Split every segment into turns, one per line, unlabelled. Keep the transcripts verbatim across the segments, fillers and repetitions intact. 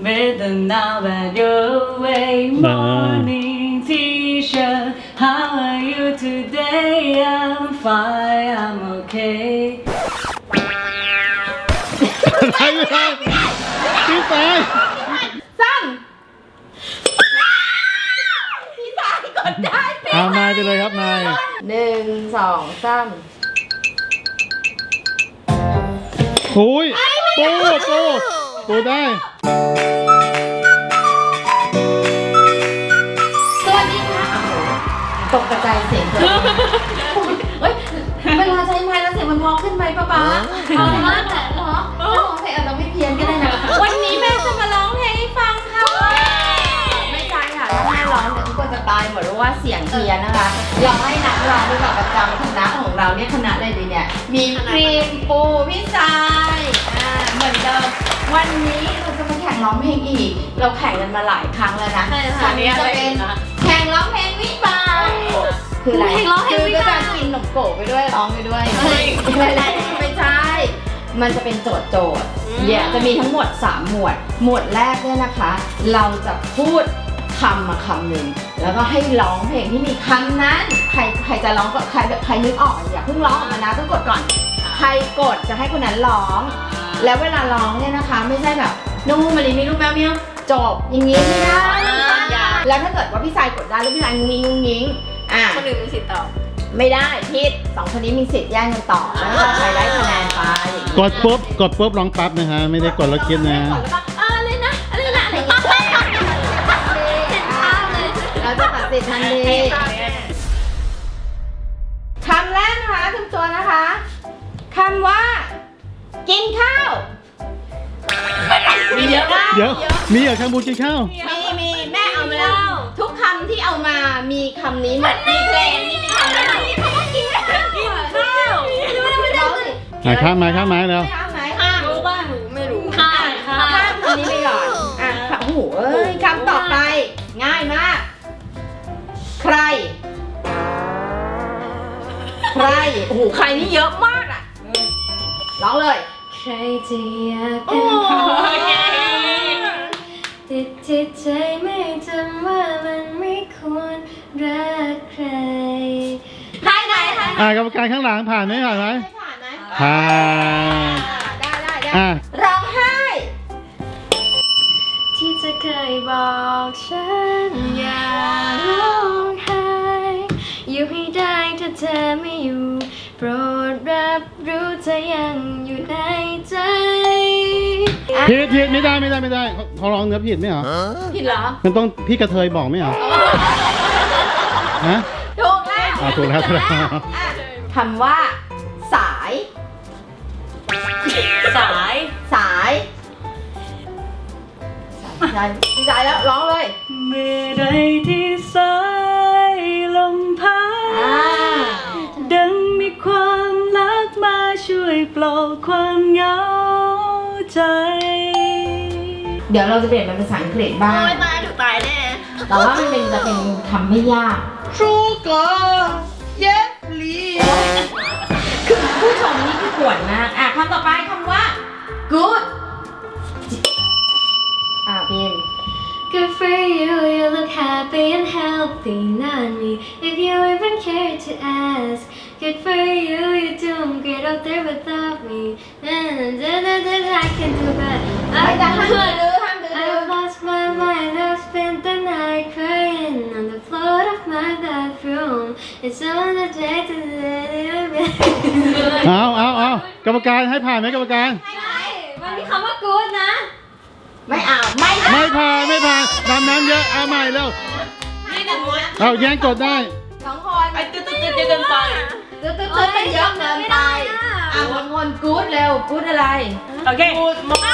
better now that you're away. Morning teacher, how are you today? I'm fine, I'm okay.
อะไรไม่ได้พี่สาย
ซ้ำพี่สายกดได้
เอานายไปเลยครับนาย
หนึ่งสองสาม
โอ้ยปูปูปูได้
สวัสดีค่ะตกกระจายเสียงเลยเฮ้ยเวลาใช้ไม้แล้วเสียงมันมองขึ้นไหมป๊าป๊าเอาเลยมากแต่เหรอร้องเพลงอาจจะไม่เพี้ยนก็ได้นะวันนี้แม่จะมาร้องเพลงให้ฟังค่ะไม่ใช่ค่ะถ้าแม่ร้องเดี๋ยวทุกคนจะตายหมดเพราะว่าเสียงเพี้ยนนะคะเราให้นักร้องด้วยกับประจำคณะของเราเนี่ยคณะอะไรดีเนี่ยมีครีมปูพี่สายอ่าเหมือนเดิมวันนี้เราจะมาแข่งร้องเพลงอีกเราแข่งกันมาหลายครั้งแล้วนะครั้งนี้จะเป็นแข่งร้องเพลงวิบากคืออะไรคือก็จะกินขนมโกะไปด้วยร้องไปด้วยอะไรไม่ใช่ มันจะเป็นโจทย์โจทย์เนี่ยจะมีทั้งหมดสามหมวดหมวดแรกเนี่ยนะคะ เราจะพูดคำมาคำหนึ่งแล้วก็ให้ร้องเพลงที่มีคำนั้นใครใครจะร้องก็ใครใครนึกออกอย่าเพิ่งร้องออกมานะต้องกดก่อนใครกดจะให้คนนั้นร้องแล้วเวลาร้องเนี่ยนะคะไม่ใช่แบบนู่นมาลีมีลูกแมวเมียวจบอย่างงี้ไม่ได้แล้วถ้าเกิดว่าพี่ชายกดได้แล้วพี่ชายงุ้งงิ้งงุ้งงิ้งอ่ะ
คนอื่นมีสิทธิ์ตอบ
ไม่ได้พิษสองคนนี้มีสิทธิ์แย่งกันต่อแล้วก็ใครได้คะแนนไปอย่างนี้
กดปุ๊บกดปุ๊บร้องปั๊บนะฮะไม่ได้กดแล้วคิดนะ
กดแล้วก็เออเลยนะอะไรนะอะไรอย่างเงี้ยเราจะตัดสินทันทีคำแรกนะคะทุกตัวนะคะคำว่ากินข้าวมีเยอะมาก
เดี๋ยวมีเหรอแคมบูกินข้าว
มีมีแม่เอามาแล้วทุกคำที่เอามามีคำนี้หมดมีเพลงนี่มีคำนี้มีคำว่ากินข้าวกินข้าวไม่ได้สิ
อ่ะข้ามมาข้ามมาแล้ว
ไม่เอาไหม
ข้ามรู้บ้างหนูไม่รู้ข้าม
ข้ามข้ามคำนี้ไปก่อนอ่ะโอ้โหเอ้ยคำต่อไปง่ายมากใครใครโอ้โหใครนี่เยอะมากอ่ะร้องเลยใครจะอยากเป็นคนติดจิตใจไม่จำว่ามันไม่ควรรักใครใครไหนใคร
อ่ากรรมการข้างหลังผ่านไหมผ่านไหม
ผ่านไหม
ผ่าน
ได้ได้ได้
อ่ะ
ร้องไห้ที่จะเคยบอกฉันอย่าร้องไห้อยู่ให้ได้ถ้าเธอไม่อยู่โปรดรับรู้เธอยังอยู่ในใจ
ผิดผิดไม่ได้ไม่ได้ไม่ได้เขาเขาร้องเนื้อผิดไหมเหรอ
ผิดเหรอ
มันต้องพี่กระเทยบอกไหมเหรอฮะ
ถูกแล้ว
อ่าถูกแล้วถูกแล้ว
คำว่าสาย
สาย
สายสายดีใจแล้วร้องเลย
เมื่อใดที่สายลมพัด
อ่า
ดังมีความรักมาช่วยปลอบความเหงาใจ
เดี๋ยวเราจะเปลี่ยนเป็นภาษาอังกฤษบ้าง
โอ้ยตายถูกตายแน่
แต่ว่ามันเป็นจะเป็นคำไม่ยาก
Sugar Yes please
คือผู้ชมนี่คือปวดมากอ่ะคำต่อไปคำว่า good อ่ะพิมพ์
Good for you, you look happy and healthy, not me. If you even care to ask, good for you, you're doing great out there without me. I can do that.
ไม่ได้ห้ามดื้อห้ามดื้อ
I've lost my mind, I've spent the night crying on the floor of my bathroom. It's on the day to
เอาเอาเอากรรมการให้ผ่านไหมกรรมการ
มันมีคำว่า good นะ
ไม่เอาไม่ได้
ไม่ผ่านไม่ผ่านดำน้ำเยอะเอาใหม่เร็ว
นี่หนึ่งม้วน
เอาแย่งกดได้
สองคน
ไอ้ตึ๊ดตึ๊ดตึ๊ดเกินไป
ตึ๊ดตึ๊ดตึ๊ดมันเยอะเกินไปอ่ะวนวนกู๊ดเร็วกู๊ดอะไร
โอเค
พูดมาก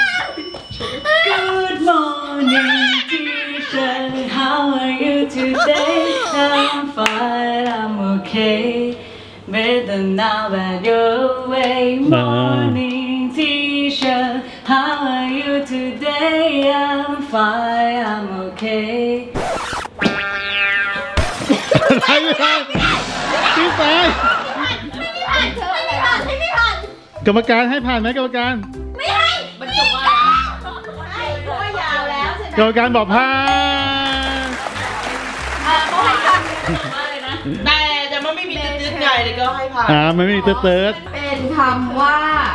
Good morning teacher how are you today I'm fine I'm okay better now that you're away morning teacher how are you today I'm fine I'm okay
อะไรไม่ได้พี่สาย
ผ่านเธออะไรผ่านให้ไม่ผ่าน
กรรมการให้ผ่านไหมกรรมการ
ไม่ให้
บรรจบว่า
ให้ตัวอย่า
กรรมการบอกผ่าน
อ่าเขาให้ท
แต่แต่มันไม่มีตืดๆไงเดี๋ยวก็ให้ผ่าน
อ่ามันไม่มีเติร์ดเติร์ด
ำเป็นคำว่า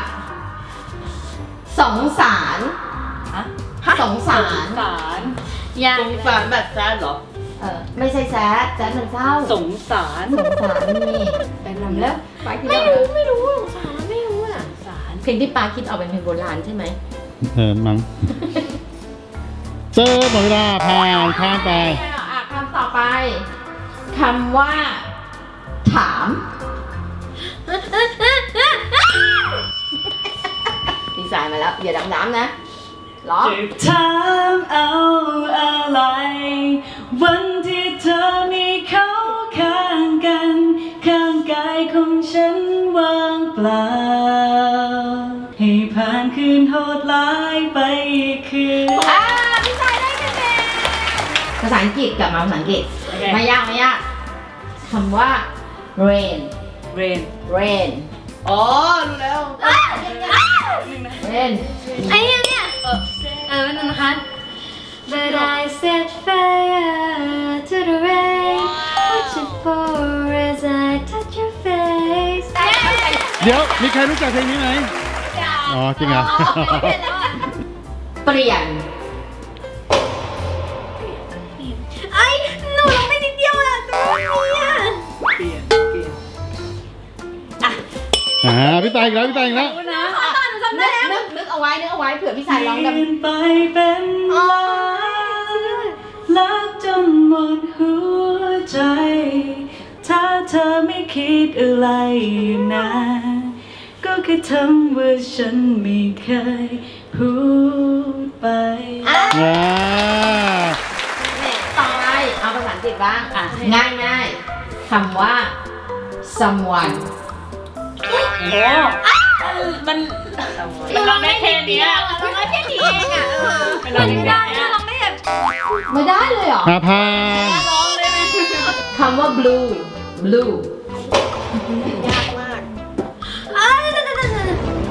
สงสารสงสาร
สาร
ยัง
สงสารแบบแซดเหรอ
เออไม่ใช่แซดแซดมันเศร้า
สงสาร
สงสารนี่เป็นลำแล้วปาคิด
ไม่
ว่า
รู้ไม่รู้สงสารไม่รู้อ่ะ
สาร
เพลงที่ปาคิดออกเป็นเพลงโบราณใช่ไหม
เออมั้งเจอหมดเวลาผ่านข้ามไป
อ่ะคำต่อไปคำว่า ถามดีไซน์มาแล้วอย่าดำน้ำนะร้อง
จะถามเอาอะไร วันที่เธอมีเขาข้างกัน ข้างกายของฉันว่างเปล่า ให้ผ่านคืนโหดร้ายไปอีกคืน
อ่าดีไซน์ได้คะแนนภาษาอังกฤษกลับมาภาษาอังกฤษ
โอเค
ไม่ยากไม่ยากคำว่า rain
rain
rain
อ๋อรู้แล้ว
rain
ไอ้เนี่ยเนี่ยเออเออเป็นนะคะ But I set fire to the rain Watch it pour as I touch your face
เดี๋ยวมีใครรู้จักเพลงนี้ไหมอ๋อจริงเหรอ
เปลี่ยน
ไอ้หนูร้องได้นิดเดียวอะตัวนี้อะ
เปลี่ยนเปลี่ยน
อ่าพี่ตายอีกแล้วพี่ตายอีกแล้ว
นะ
นึกนึกนึกเอาไว้นึกเอาไว้เผื่อพี่สายร้องดำ
เปลี่ยนไปเป็นลายรักจนหมดหัวใจ ถ้าเธอไม่คิดอะไรนะ ก็แค่ทำว่าฉันไม่เคยพูดไป
อ่ะ
อ่า
ต่อไปเอาภาษาอังกฤษบ้าง
อ่ะ
ง่ายง่ายๆคำว่า someone
โอ้มันมันร้องได้แค่เนี้ย
ร้องได้แค่นี้เองอะเออ
มันร้องได้แค่เนี้ย
ร้องได้แบบ
ไม่ได้เลยเหรอ
อ่าผ่าน
ร้องเลยนะ
คำว่า blue blue
ยากมาก
อ้าวเดี๋ยวเดี๋ยวเดี๋ยวเดี๋ยว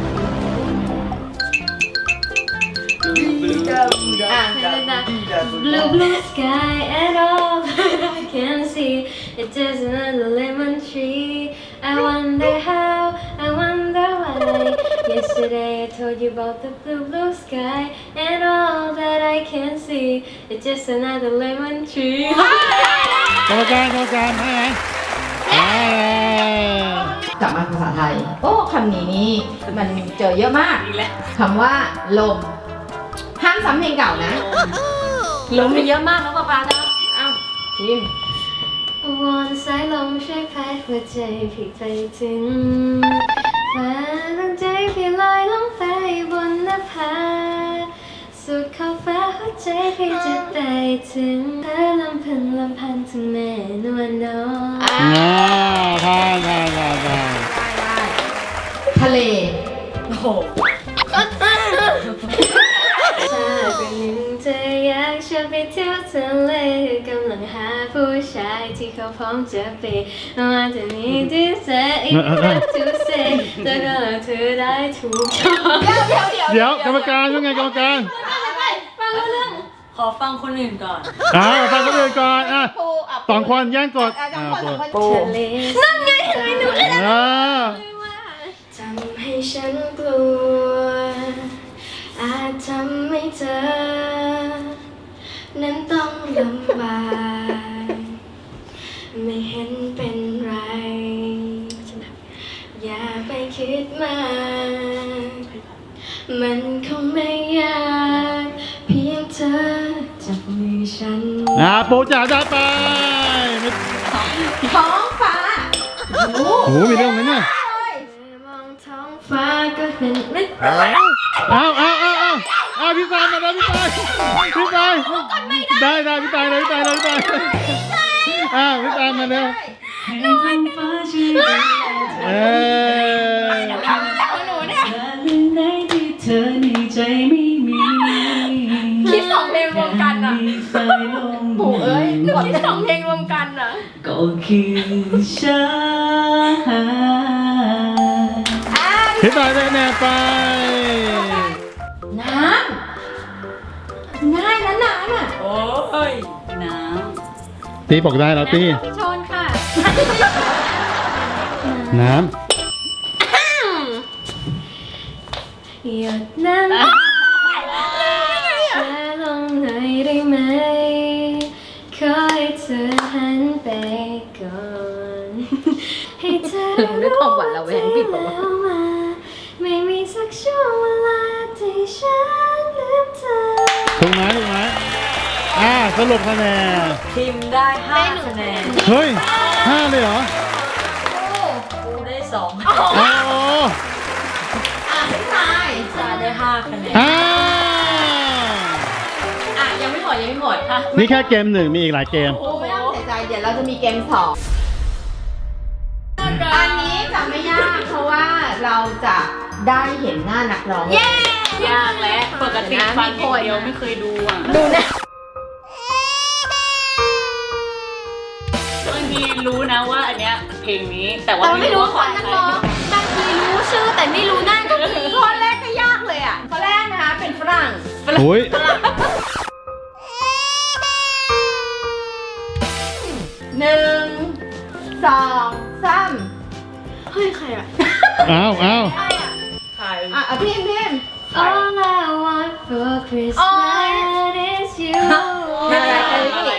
อ่ะ
Blue blue sky and all that I can see It's just another lemon tree I wonder how, I wonder why Yesterday I told you about the blue blue sky And all that I can see It's just another lemon tree
กรรมการกรรมการให้ไหมอ่าก
ลับมาภาษาไทย โอ้คำนี้นี่มันเจอเยอะมาก
อีกแล้ว
คำว่า ลม ห้ามซ้ำเพลงเก่านะ
ลมมีเยอะมากนะป๊าป๊านะ
เอ้าพิมพ์
วอนสายลมช่วยพัดหัวใจพี่ไปถึงฟ้าตั้งใจพี่ลอยลงไปบนนภาสุดขอบฟ้าหัวใจพี่จะได้ถึงเธอลำพึงลำพันถึงแม่นวลน้อง
อ่า
อ่าผ่านผ่านผ่านผ่าน
ได้ได้ทะเล
โอ้โห
ถ้าเป็นหนึ่งเธออยากชวนไปเที่ยวทะเลกำลังหาผู้ชายที่เขาพร้อมจะไปว่าจะมีที่แสอีกครั้งทุกเซแต่ก็เธอได้ถูกชอบ
เดี๋ยวเดี๋ยว
เดี๋ยวกรรมการยังไงกรรมการ
ฟังรู้เรื่อง
ขอฟังคนอื่นก่อน
อ่าฟังคนอื่นก่อนอ่ะ
ปูอ่ะ
สองคนแย่งกด
อ่ะสองคนสองคน
ปู
ปู
ทะเลนั่นไงเห็นไหมหนูเลย
อ่า
ทำให้ฉันกลัวอาจทำให้เธอนั้นต้องลำบากไม่เห็นเป็นไรอย่าไปคิดมากมันคงไม่ยากเพียงเธอจับมือฉัน
อ่าปูจ๋าได้ไปไม่
ท้องฟ้าโอ้โห
โอ้โหมีเรื่องไหมเนี่ย
มองท้องฟ้าก็เห็นไม่
เอาเอาเอาเอาเอาพี่ตายมาแล้วพี่ตายพี่ตายได้ได้พี่ตายเลยพี่ตายเลยพี่ตายอ่าพี่ตายมาเร็ว
ให้ท้องฟ้าช่วยดูแลเธ
เอ
อ
อ
หนูเนี่ย
และเรื่องไหนที่เธอในใจไม่มี
คิดสองเพลงรวมกันอ่ะ
มีสายลม
ปู่เอ้ยคิดสองเพลงรวมกันอ่ะ
ก็คือฉัน
พี่ตายได้แน่ไป
น้ำง่ายนะนายำอ่ะ
โอ้ยน้
ตีบอกได้แล้วตี
พี่ชนค่ะ
น้
หยดน้ำช้าลงหน่อยได้ไหมขอให้เธอหันไปก่อนให้เธอ
ด้วยความหวานระแวงผิดปะวะ
แล้วมาไม่มีสักช่วงเวลาที่ฉันลืมเธอ
ำถูกไหมถูกไหมอ่าสรุปคะแนน
ำพิมพ์ได้ห้าคะแนน
เฮ้ยห้าเลยเหรอ
กูได้สอง
อ๋อ
อ่ะพี่ชาย
จาได้ห้าคะแนน
อ่า
อ่ะยังไม่หมดยังไม่หมดค่ะ
นี่แค่เกมหนึ่งมีอีกหลายเกม
โอ้ไม่ต้องเสียใจเดี๋ยวเราจะมีเกมสองอันนี้จะไม่ยากเพราะว่าเราจะได้เห็นหน้านักร้อง
เย้
ยากแล้วปกติฟังอย่างเดียวไม่เคยดูอ่ะ
ดูนะ
บางทีรู้นะว่าอันเนี้ยเพลงนี้แต่ว่า
เราไม่รู้
ว่า
คนนักร้องบางทีรู้ชื่อแต่ไม่รู้หน้าก็มี
ข้อแรกก็ยากเลยอ่ะข้อแรกนะคะเป็นฝรั่ง
โอ้ย
หนึ่งสองสาม
เฮ้ยใครอะ
อ้าวอ้าว
ใคร
อ่ะอ่ะพิมพ์พิมพ์
All I want for Christmas is you
น่ารักจัง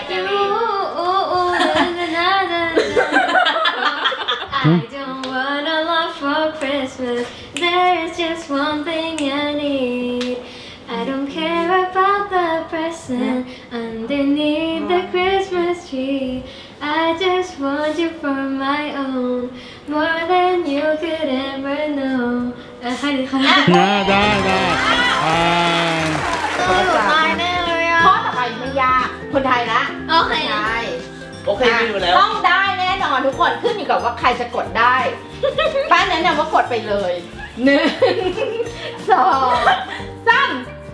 I don't want a lot for Christmas. There's just one thing I need. I don't care about the present underneath the Christmas tree. I just want you for my own, more than you could ever know. อ่ะใครดีคะ
น่าได้ได้อ่า
เออตายแน่เลยอ่ะ
ข้อต่อไปไม่ยาก คนไทยนะ
โอเค
ใช่
โอเคไม่อยู่แล้ว
ต้องได้แน่นอนทุกคนขึ้นอยู่กับว่าใครจะกดได้ ป้าแนะนำว่ากดไปเลยหนึ่งสองสาม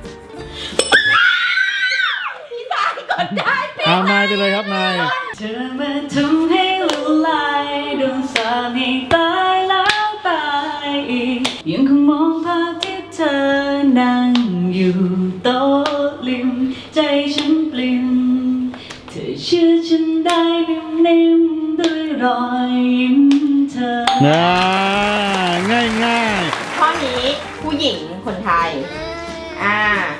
พี่สายกดได้
อ่านายไปเลยครับนาย
เธอมาทำให้ละลายดวงสาให้ตายแล้วตายอีกยังคงมองภาพที่เธอนั่งอยู่โต๊ะริมใจฉันปลิ่มเธอเชื่อฉันได้นิ่มๆด้วยรอยยิ้มเธอ
น่าง่ายง่าย
ข้อนี้ผู้หญิงคนไทย อ่า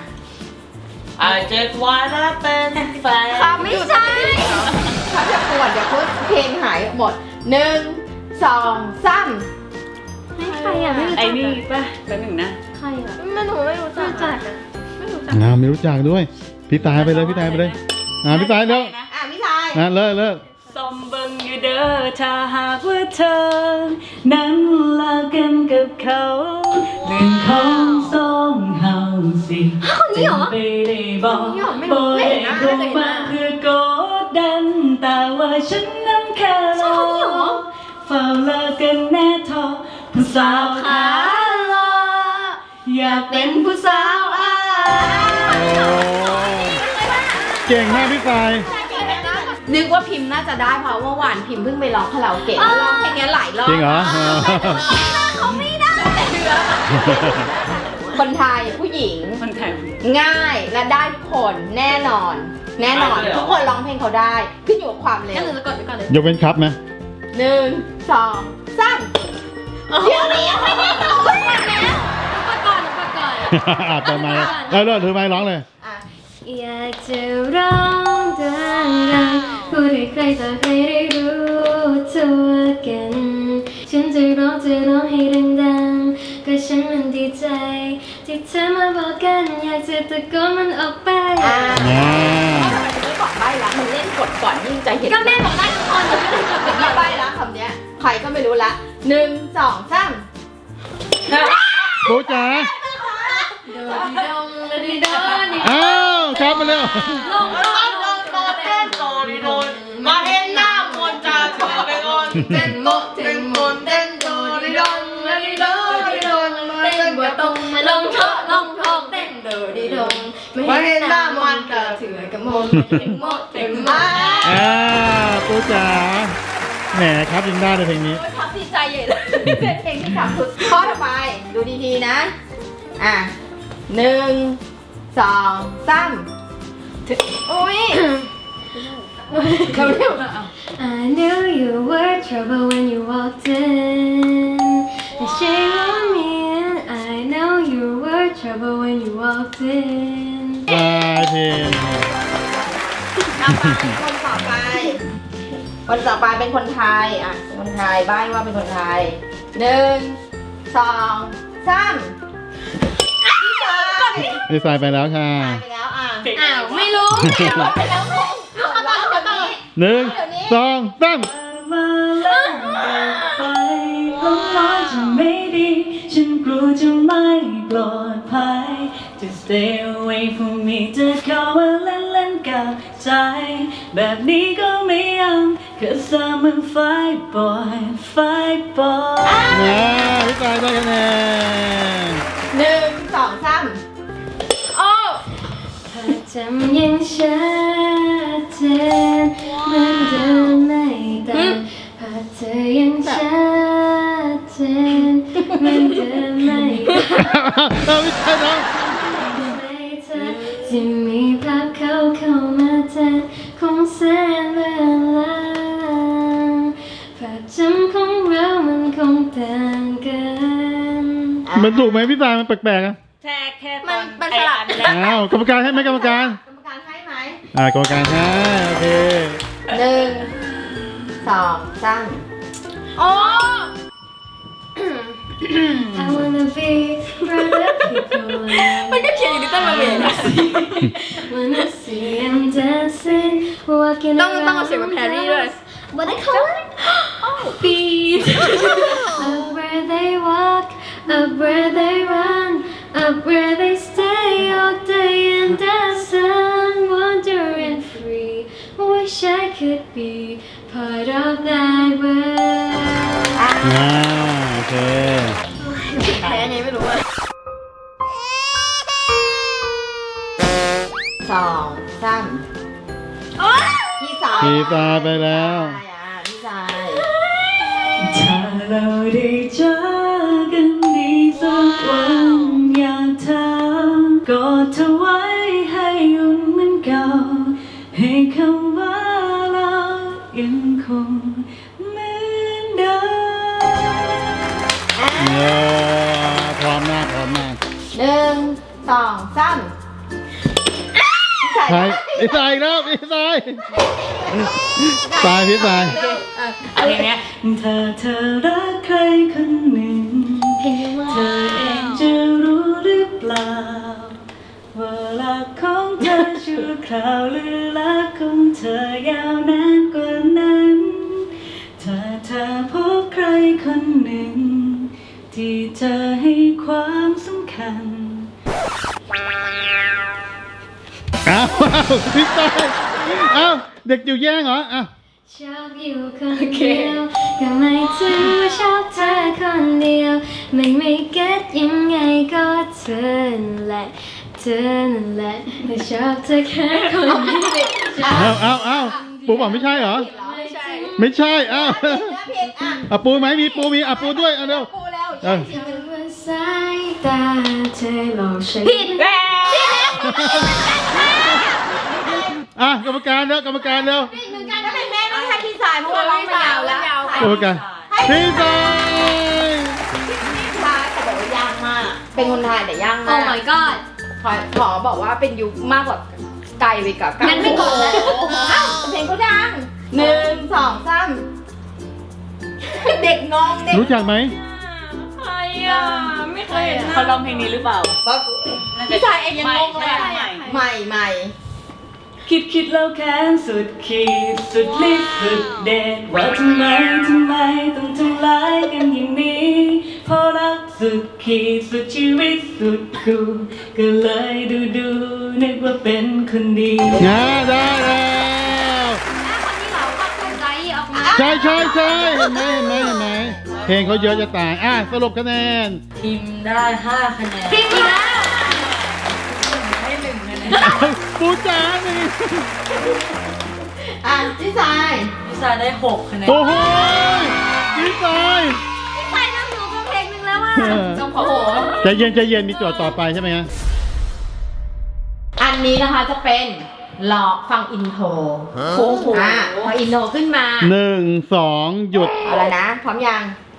I just wanna เป็นแฟน
คำไม่ใช่เขาจะปวดเดี๋ยวเขาเพลงหายหมดหนึ่งสองสาม
ใครอ่ะไม่รู้จัก
ไอ้นี่ป่ะแป๊บหนึ่งนะ
ใครอ่ะไม่รู้ไม่รู้จักอ่ะไม่รู้จัก
ๆอ่าไม่รู้จักด้วย พี่ตายไปเลยพี่ตายไปเลย อ่าพี่ตายเร็ว
อ่ะพี่ชาย
นะเลิกเลิก
สมเบิงอยู่เด้อถ้าหากว่าเธอ นั้นเลิกกันกับเขาเรื่องของสองเฮาสิจะไปได้บอกบ่ได้คงมาเพื่อกดดัน แต่ว่าฉันนั้นแค่รอเฝ้าเลิกกันแน่ทอผู้สาวขาลออยากเป็นผู้สาวอา
โอ้เก่งมากพี่ตาย
นึกว่าพิมพ์น่าจะได้เพราะว่าหวานพิมพ์เพิ่งไปร้องคาราโอเกะแล้วร้องเพลงนี้หลายรอบ
จริงเหรอ
เขาไม่ได้แต่เดือนคนไทยผู้หญิง
คนไทย
ง่ายและได้ทุกคนแน่นอน แน่นอน ทุกคนร้องเพลงเขาได้ ขึ้นอยู่กับความเร็
งั้น
ว
หนูจะกดไปก่อนเลย
ยกเว้นครับไหม
หนึ่งสองสามเดี๋ยวนี้ยังไม่ได้ร้องเลยนะ
กดก่อนกดก่อน
อ่าเติมไม้เออเลิกถือไม้ร้องเลย
อ่ะ
อยากจะร้องดังๆพูดให้ใครต่อใครได้รู้ตัวกัน ฉันจะร้องจะร้องให้ดังๆก็ฉันมันดีใจ ที่เธอมาบอกกันอยากจะตะโกนมันออกไป
อ่ะ
อ่า
ทำไมถึงไม่บอกใบ้ละมันเล่นกดก่อนยิ่งใจเห็น
ก็แม่บอกได้ทุกคนแต่ไม่ได้กดไปก่
ไม่
อน
ใบ้ละคำเนี้ยใครก็ไม่รู้ละหนึ่งสองสาม
ปูจ๋า
โดดีดงโดดีดงดี
อ้าวครับมาเร็ว
ลง
โดนโดนโดนเต้นโดนโดนมาเห็นหน้ามนจะเธอไปก่อนเต้นโมเต้นโมเต้นโดนโดนโดนโดนโดน
เต้นบัวตรงมาลงเถอะลงทองเต้นโดดีดงไม่เห็นหน้ามันกระเถือกระมนถึงโมถึงมา
อ่าปูจ๋าแหมครับยิงได้เลยเพลงนี้
ทับดีใจใหญ่เลยเป็นเพลงที่ขับสุดข้อต่อไปดูดีๆนะ อ่ะหนึ่งสองสาม
เธ
โอ้ยเราเร็ว
I knew you were trouble when you walked in. The shame on me, and I know you were trouble when you walked in.
บายเพลง
เอาไปคนต่อไป คนต่อไปเป็นคนไทยอ่ะเป็นคนไทยใบ้ว่าเป็นคนไทยหนึ่งสองสามพี่สาย
พี่สายไปแล้วค่ะ
ไปแล้วอ่ะ
อ้าว ไม่รู้
ไปแล้วลูกเอาต่อเอาต่อ
หนึ่งสองสาม
มาแล้วไปลงน้อยจะไม่ดีฉันกลัวจะไม่ปลอดภัย Just stay away from me จะเข้ามาเล่นเล่นกับใจแบบนี้ก็ไม่ยัง Cause I'm a fight boy fight boy
นะพี่สายได้คะแนน
หนึ่งสองสาม
โอ้ภาพจำยังชัดเจนเหมือนเดิมไม่ต่างภาพเธอยังชัดเจนเหมือนเดิมไม่ต่าง
เอาพี่สายน้อง
ไม่เธอที่มีภาพเขาเข้ามาแทนคงแสนเวลาภาพจำของเรามันคงต่างกัน
มันถูกไหมพี่สายมันแปลกๆอ่ะ
แค่แค่ต
มั
อน น
มันสลับ
อ้าวกรรมการให้ไหมกรรมการ
กรรมการให้ไหม
อ่ากรรมการให้โอเค
หนึ่งสองสาม
โอ้ I wanna be where the people are
มันก็เขียนอยู่ในต้นมะเขือ
Wanna see them dancing walking
ต้อง
around
ต้องเอาเสียงแบบแพรรี่ด้วย
What they call it? Feet Up where they walk Up where they run Up where they stay all day in the sun Wandering free Wish I could be part of that world
อ่าโอเค
แพ้ไงไม่รู้อะสองสามพี่สาย
พี่สายไปแล้ว
พี่สาย
ถ้าเราได้เจอกันดีสักวันอยากถามกอดเธอไว้ให้อุ่นเหมือนเก่าให้คำว่าเรายังคงเหมือนเดิม
เออพร้อมมากพร้อมมาก
หนึ่งสองสามพี่สาย
ใช่พี่สายอีกแล้วพี่สายสายพี่สาย
อะไรเนี้ยถ้าเธอรักใครคนหนึ่ง
เพลงว่า
เธอเองจะรู้หรือเปล่าว่ารักของเธอชั่วคราวหรือรักของเธอยาวนานกว่านั้น ถ้าเธอพบใครคนหนึ่ง ที่เธอให้ความสำคัญ
อ้าวอ้าวพี่สายอ้าวเด็กอยู่แย่งเหรออ้าว
ชอบอยู่คนเดียวก็ไม่ถือว่าชอบเธอคนเดียวไม่ไม่เก็ตยังไงก็เธอนั่นแหละเธอนั่นแหละแต่ชอบเธอแค่คนเดียว
อ้าวอ้าวอ้าวปูบอกไม่ใช่เหรอ
ไม่ใช่
ไม่ใช่อ้าว
ผิดนะผิดอ่ะ
อ่ะปูไหมมีปูมีอ่ะปูด้วยอ่ะเร็ว
ปูแล้ว
เออ
เธอว่าสายตาเธอหลอกฉัน
ผิดแล้ว
อ่ะกรรมการเร็วกรรมการเร็ว
ผิดเหมือนกันถ้าเป็นแม่ต้องให้พี่สายเพราะว่าร้องมายาวแล้ว
กรรมการพี่สาย
พี่สายแต่บอกว่ายากมาก เป็นคนไทยแต่ยาก
โอ้
มาก
my god
ขอขอบอกว่าเป็นยุคมากกว่าไกลไปกับ
งั้นไม่กดแล้ว
อ้าวเพลงก็ดังหนึ่งสองสามเด็กงงเด็ก
รู้จักไหม
ใครอ่ะ ไม่เคยเห็นเขาร้องเพลงนี้หรือเปล่า
พี่ชายเองยังงงเลย
ใหม่
ใหม่ใหม่
คิดคิดแล้วแค้นสุดขีดสุดฤทธิ์สุดเดชว่าทำไมทำไมต้องทำร้ายกันอย่างนี้เพราะรักสุดขีดสุดชีวิตสุดกูก็เลยดูดูนึกว่าเป็นคนดี
ง่าได้แล้ว
คนที่เราก็เข้าใจออกมา
ใช่ใช่ใช่เห็นไหมเห็นไหมเห็นไหมเพลงเขาเยอะจะตายอ่ะสรุปคะแนน
ทีมได้ห้าคะแนน
พิมพ์อีกแล้ว
ให้หนึ่งคะแนน
ปูจ๋านี่
อ่ะพี่ชาย
พิซาได้หกคะแนน
โอ้โหพี่สาย
ใส่น้ำหนูกับเพลงหนึ่งแล้วอ่ะ
เออ
ต้องขอโห
ใจเย็นใจเย็นมีโจทย์ต่อไปใช่ไหมฮะ
อันนี้นะคะจะเป็นรอฟังอินโทร
โอ้โห
อ่ะพออินโทรขึ้นมา
หนึ่งสองหยุด
เอาละนะพร้อมยัง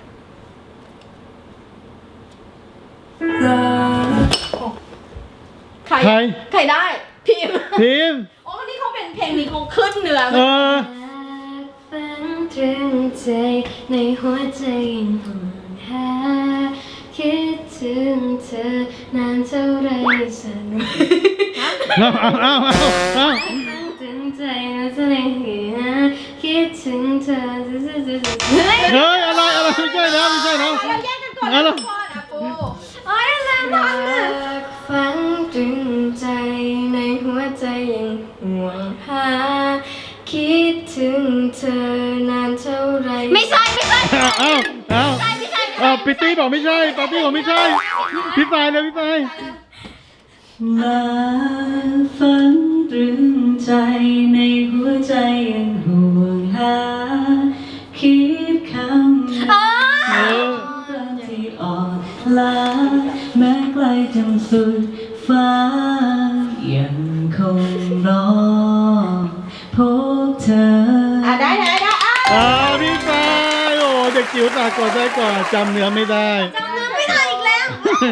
ใคร
ใคร
ใครได้ พิมพ์
พิมพ์
โอ้นี่เขาเป็นเพลงนี้เขาขึ้นเนื้อ
เออ
ฝันตรึงใจในหัวใจยังห่วงหาคิดถึงเธอนานเท่าไรสัน
เอาเอาเอาเอาเอา
ฝันตรึงใจนะจะในหัวคิดถึงเธอ
เฮ้ยอะไรอะไรไม่ใช่แล้วไม่ใช่แล้ว
เราแยกกันก่อน
เอา
นะ
ละ
ทุกคนอ่ะปู
โอ้ยแล้วพังเลยฝันตรึงใจในหัวใจยังห่วงหาคิดถึงเธอนานเท่าไรไม่ใช่ไม่ใช่
เอาเอาเอาเอาปิตตี้บอกไม่ใช่ปาร์ตี้บอกไม่ใช่พี่สายเลยพี่สาย
มาฝันตรึงใจในหัวใจยังห่วงหาคิดคำ
เออ
รักที่อ่อนล้าแม้ไกลจนสุดฟ้ายังคงรอพบเธอ
อ่ะได้ได้ได้อ่ะ
อ่าพี่สายโอ้เด็กจิ๋วตากดได้ก่อนจำเนื้อไม่ได้
ไม่ได้อีกแล้ว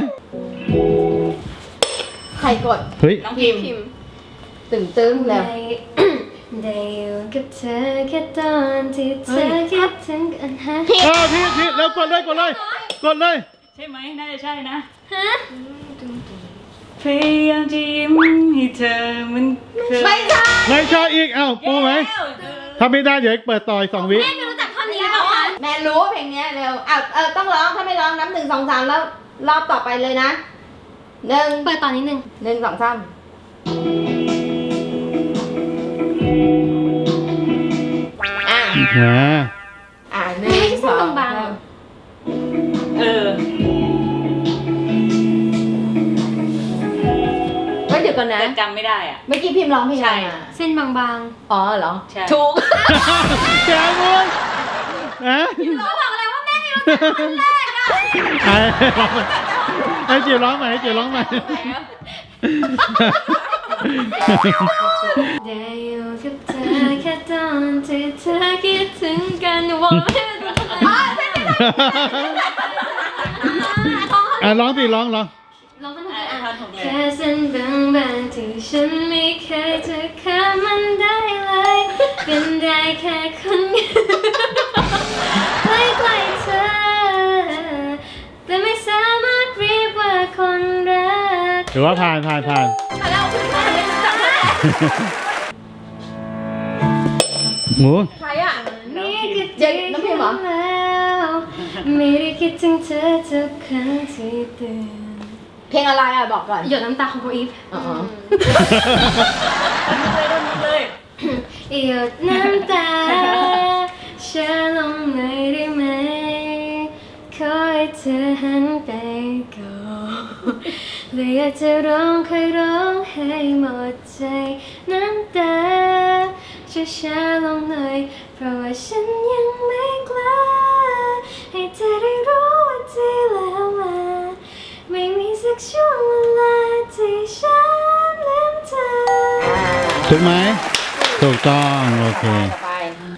ใครกด
เฮ้ย
น้องพิมพ์
ตึงตึงแล้ว
ได้ได้อยู่กับเธอแค่ตอนที่เธอคิดถึงกันฮะ
เออพี่พี่แล้วกดเลยกดเลยกดเลย
ใช่ไหมน่าจะใช่นะ
ฮะ
พยายามจะยิ้มให้เธอมันเคย
ไม่ใช่
ไม่ใช่อีกเอ้าปูไหมถ้าไม่ได้เดี๋ยวเปิดต่อยสองวิ
แม่ไม่รู้จักท่อนนี้หรือเปล่าคะ
แม่รู้เพลงเนี้ยเร็วอ่ะเออต้องร้องถ้าไม่ร้องนับหนึ่งสองสามแล้วรอบต่อไปเลยนะหนึ่ง
เปิดตอนนิดนึง
หนึ่งสองสามอ่ะ
อ่า
อ่ะหนึ่งสองสาม
เออ
ก็เดี๋ยวก่อนนะ
แต่จำไม่ได้อ่ะ
เมื่อกี้พิมพ์ร้องเพลงอะไร
ใช่
อ่ะ
เส้นบาง
อ๋อเหรอ
ใช่
ถูก
แกมุนฮะ
ๆเราบอกเลยว่าแม่ไม่รู้จักท่อนแรกอะ
ไอ้ไอ้จิ๋วร้องใหม่ไอ้จิ๋วร้องใหม่
ได้อยู่กับเธอแค่ตอนที่เธอคิดถึงกันบอกไม่รู้จักท่อนแรก
อ่ะร้องสิร้องร้อง
เราต้อง
อ่ะ
อ่าน
ท่อนผมเลย
แค่เส้นบางๆที่ฉันไม่เคยจะข้ามมันได้เลย เป็นได้แค่คนใกล้ๆเธอ แต่ไม่สามารถเรียกว่าคนรัก
ถือว่าผ่านผ่านผ่าน
เราขึ้นมาไม่รู้จัก
หมู
ใครอ่ะ
นี่คือ
เจ๊น้ำพิมพ์เหรอ
แล้วไม่ได้คิดถึงเธอทุกครั้งที่เตือน
เพลงอะไรอ่ะบอกก่อน
หยดน้ำตาของโบอีฟ
อ๋อ
เลยโดนเลย
หยดน้ำตาเชื่อลงหน่อยได้ไหมขอให้เธอหันไปก่อนเลยอยากจะร้องใครร้องให้หมดใจน้ำตาช่วยช้าลงหน่อยเพราะว่าฉันยังไม่กล้าให้เธอได้รู้ว่าที่แล้วมาไม่มีสักช่วงเวลาที่ฉันลืมเธอ
ถูกไหมถูกต้องโอเค
ต่อไป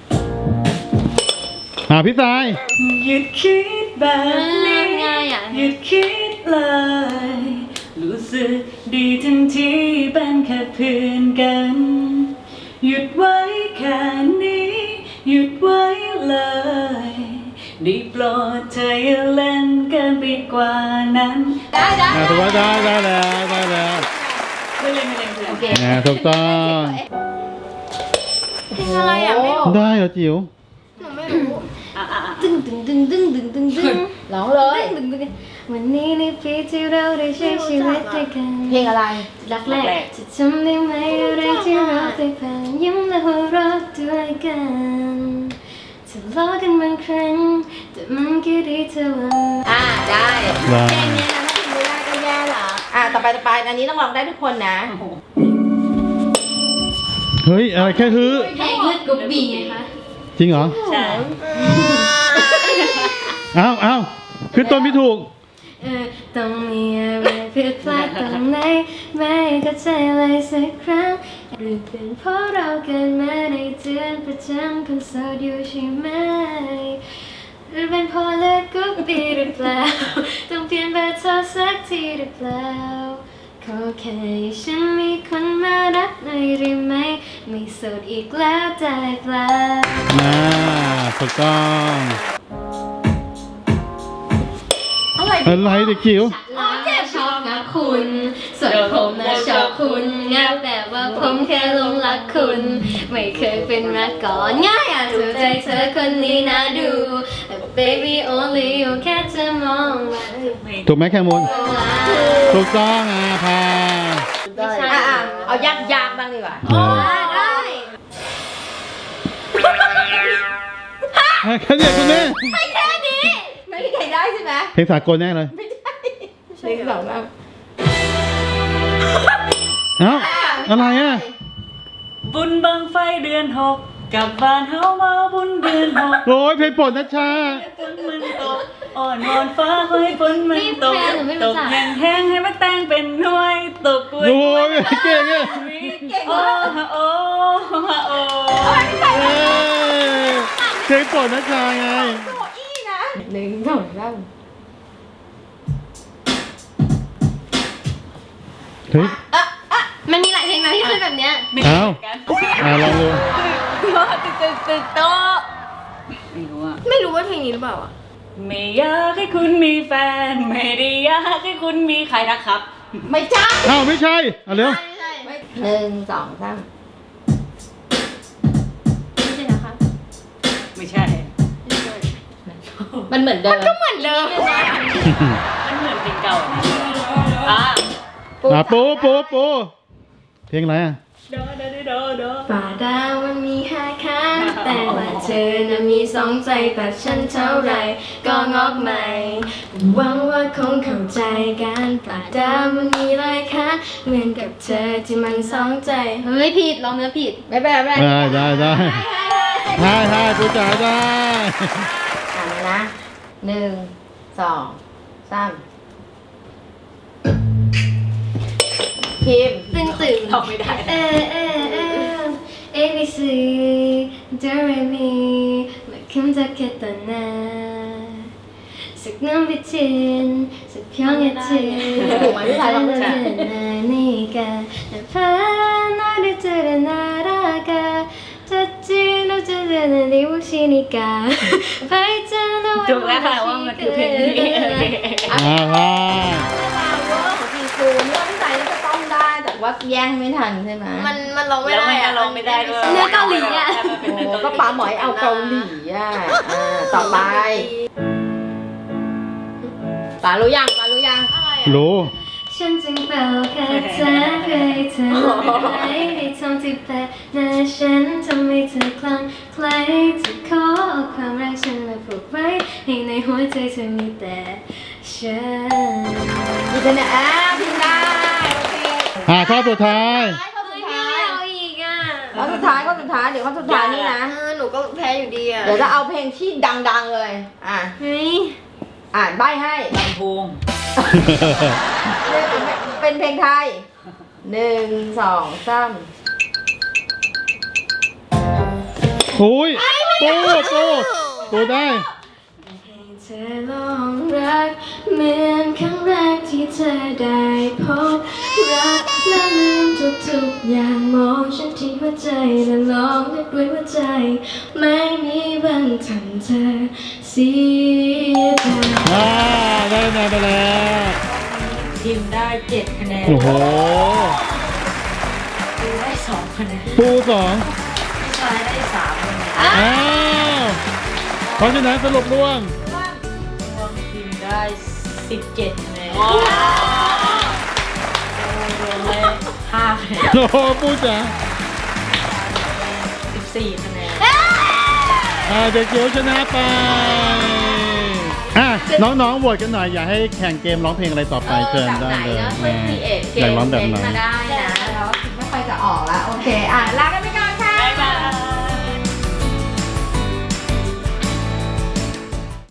อ่าพี่สาย
หยุดคิดแบบนี้
ง่ายอ่ะ
หยุดคิดเลย รู้สึกดีทั้งที่เป็นแค่เพื่อนกัน หยุดไว้แค่นี้ หยุดไว้เลยได้โปรดเธออย่าเล่นเกินไปกว่านั้น
ได้ได้
อ่าถือว่าได้ได้แล้วได้แล้ว
ไม่เล่นไม่เล่นไม่เล่น
โอเค
อ่าถูกต้อง
เพลงอะไรอ่ะไม่รู้
ได้เหรอจิ๋ว
หนูไม่รู้
อ่ะอ่ะอ่ะ
ตึงตึงตึงตึงตึงตึงตึง
ร้องเลย
ตึงตึงตึงวันนี้ในปีที่เราได้ใช้ชีวิตด้วยกัน
เพลงอะไร
รักแรกจะจำได้ไหมอะไรที่เราได้ผ่านยิ้มและหัวเราะด้วยกันทะเลาะกันบางครั้งแต่มันก็ดีเท่าวัน
อ่าได้
ได้
เพลงเนี้ยนะถ้าพิมพ์ไม่ได้ก็แย่ละอ่าต่อไปต่อไปอันนี้ต้องร้องได้ทุกคนนะ
เฮ้ยอะไรแค่ฮือ
เพลงเลือดกบบีไงคะ
จริงเหรอ
ใช่
อ้าวอ้าวขึ้นต้นไม่ถูก
เออต้องมีอะไรผิดพลาดตรงไหนไม่เข้าใจเลยสักครั้งหรือเป็นเพราะเราเกิดมาในเดือนประจำคนโสดอยู่ใช่ไหมหรือเป็นเพราะเลือดกรุ๊ปบีหรือเปล่าต้องเปลี่ยนเบอร์โทรสักทีหรือเปล่าขอแค่ให้ฉันมีคนมารักหน่อยได้ไหมไม่โสดอีกแล้วได้เปล่า
น่าถูกต้อง
อะไร
อะไรเด็กจิ๋ว
เราชอบงับคุณส่วนผมนะชอบคุณงับแต่ว่าผมแค่หลงรักคุณ ไม่เคยเป็นมาก่อนง่ายอ่ะถูกใจเธอคนนี้นะดูแต่ baby only you แค่จะมองมา
ถูกไหมแคมูลถูกต้องอ่ะพา
อ่ะอ่ะเอายากยากๆบ้างดีกว่า
เออ
ได้
อ่ะแค่เนี้คุณแม่
แค่นี้
ไม่มีใครได้ใช่ไหม
เพลงสากลแน่เลย
ใช่สองบ้าง
เอ้าอะไรอ่ะ
บุญบังไฟเดือนหกกลับบ้านเฮามาบุญเดือนหก
โอ้ยเพลงโปรดนะชา
ฝนมันตกอ่อนวอนฟ้าให้ฝนมันตกตกแห้งแห้งๆให้มันแตงเป็นหน่วยตกกล้วย
โอ้ยเก่งอ่ะ
โอ้ฮะโอ้ฮะโอ้
เอ้ยเพลงโปรดนะชาไง
หนึ่งสองสาม
เฮ้ย
มันมีหลายเพลงนะที่ขึ้นแบบเนี้ย
เอ้าอ่ะลองดู
ตึกตึกตึกโตะไม่รู้อ่ะ
ไม่รู้ว่าเพลงนี้หรือเปล่าอ่ะ
ไม่อยากให้คุณมีแฟน ไม่ได้อยากให้คุณมีใครนะครับ
ไม่ใช่
เอ้าไม่ใช่เอาเร็ว
ไม่ใช่ไม่
หนึ่งสองสาม
ใช่นะคะ
ไม่ใช่
มันเหมือนเดิม
ก็เหมือนเดิม
มันเหมือนเพลงเก่าอะอ่ะ
อ่ะปูปูปูเพลงอะไรอ่ะ
โดโดโดโด
ป่าดาวมันมีห้าขาแต่ว่าเธอน่ะมีสองใจแต่ฉันเท่าไรก็งอกใหม่หวังว่าคงเข้าใจกันป่าดาวมันมีหลายขาเหมือนกับเธอที่มันสองใจเฮ้ยผิดร้องเนื้อผิด
ไม่เป็นไรไม่เป็นไร
ได้ได้ได้ได้ได้ปูจ๋าได้
อ่านนะหนึ่งสองสามพิมพ์
ตึงตึง
ร้องไม่ได้
เออเออเออ A B C Do Re Mi มาคำจะแค่ตอนนั้นสักน้ำพิจินสักเพียงแค่เธอนี่กันพานาดิเจอร์นาราคาจัดจีนเราจะเดินในวุชินิกาไปเจอเรา
ถูกแล้วค่ะว่ามันคือเพลงนี้โอเค
อ่าว่า
เวอร์ของพี่คูนี่ว่าพี่สายน่าจะต้องได้แต่ว่าแย่งไม่ทันใช่ไหม
มันมันร้องไม่
แล้ว
ได้
มันก็
อะ
ร้องไม่ได้ด้วย
เนื้อเกาหลีอะ
ถ้ามันเป็นเนื้อ
โอ้
เกาหลี
ก็ป๋าหมอยเอาเกาหลีอ่ะอ่าต่อไปป๋ารู้ยังป๋ารู้ยัง
รู้
ฉันจึงเป่าคาถาเพื่อให้เธอหายให้ทองที่แปะหน้าฉันทำให้เธอคลั่งไคล้จะขอเอาความรักฉันมาผูกไว้ให้ในหัวใจเธอมีแต่ฉัน
พี่จะเนี่ยอ่าพิมพ์ได้โอเค
อ่าข้อสุดท้าย
ข้อสุด
ไม่
ท้าย
เอาอีกอ่ะ
ข้อสุดท้ายข้อสุดท้ายเดี๋ยวข้อสุดท้ายนี่นะ
เออหนูก็แพ้อยู่ดีอ่ะ
เดี๋ยวจะเอาเพลงที่ดังๆเลย อ่ะ
เฮ้ย
อ่านใบให้
ลำโพง
เป็นเพลงไทยหนึ่งสองสาม
โอ้ยปูปูปูได้
ให้เธอลองรักเหมือนครั้งแรกที่เธอได้พบรักและลืมทุกๆอย่างมองฉันที่หัวใจและลองนึกด้วยหัวใจ ไม่มีวันทำเธอเสียใจ
อ่าได้คะแนนไปแล้ว
ทีมได้เจ็ดคะแนน
โอ้โห
ทีมได้สองคะแนน
ปูสอง
พี่ชายได้สามคะแนน
อ้าวเพราะฉะนั้นสรุปร่วง
รวมทีมได้สิบเจ็ดคะแนนรวมได้ห้าคะแนน
โอ้โหปูจ๋า
สิบสี่คะแนน
อ่าเด็กเกียวชนะไปอ่ะน้องๆโหวตกันหน่อยอยากให้แข่งเกมร้องเพลงอะไรต่อไปเชิญได้เลย
แบบไหนเนาะช่วย create เก
อยาก
ม
ร้องแบบไหน
มาได้นะแล้วคิดไม่ค่อยจะออกแล้ว โอเค อ่ะลากันไป